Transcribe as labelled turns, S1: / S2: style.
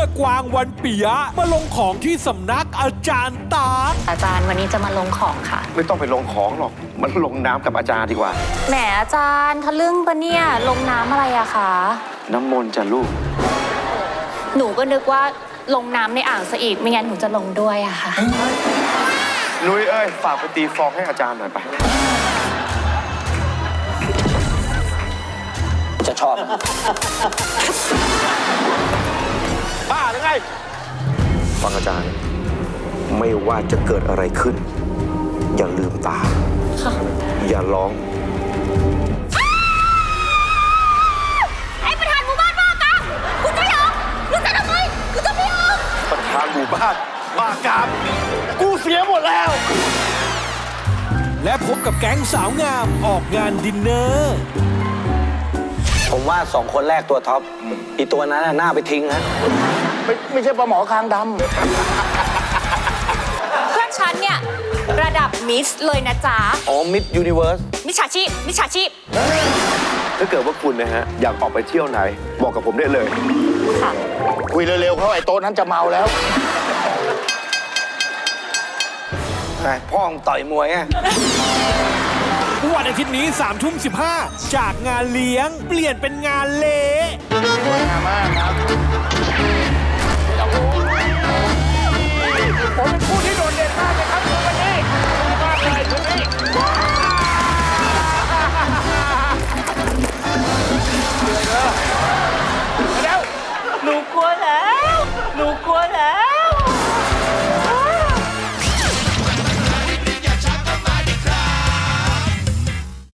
S1: กวางวันปิยะมาลงของที่สำนักอาจารย์ตา
S2: อาจารย์วันนี้จะมาลงของค่ะ
S3: ไม่ต้องไปลงของหรอกมันลงน้ำกับอาจารย์ดีกว่า
S2: แหมอาจารย์ทะลึ่งปะเนี่ยลงน้ำอะไรอะคะ
S3: น้ำมนต์จ้ะลูก
S2: หนูก็นึกว่าลงน้ำในอ่างซะอีกไม่งั้นหนูจะลงด้วยอะค่ะ
S3: นุ้ยเอ้ยฝากไปตีฟองให้อาจารย์หน่อยไป
S4: จะชอบ
S3: บ้าหรือไงฟังอาจารย์ ไม่ว่าจะเกิดอะไรขึ้น อย่าลืมตา
S2: ค่ะ
S3: อย่าร้อง
S2: ไอ้ประธานหมู่บ้านบ้ากามคุณจะยอมหรือจะทำไมคุณจะไม่ยอม
S3: ประธานหมู่บ้านบ้ากามกูเสียหมดแล้ว
S1: และพบกับแก๊งสาวงามออกงานดินเนอร์
S4: ผมว่า2 คนแรกตัวท็อปอีตัวนั้นน่ะหน้าไปทิ้งนะ
S5: ไม่ใช่ปลาหมอคางด
S2: เพื่อนฉันเนี่ยระดับมิสเลยนะจ๊ะ
S4: อ๋อมิดยูนิเวิร์ส
S2: มิจฉาชีพมิจฉาชีพ
S3: ถ้าเกิดว่าคุณนะฮะอยากออกไปเที่ยวไหน บอกกับผมได้เลย
S2: ค่ะ
S5: ำคุยเร็วๆเขาไอ้โต๊ะนั้นจะเมาแล้ว
S4: พ่อมึงต่อยมวยอ่ะ
S1: วันอาทิตย์นี้3:15จากงานเลี้ยงเปลี่ยนเป็นงานเละ
S5: ผมเป็นผู้ที่โดดเด่นมากเลยครับ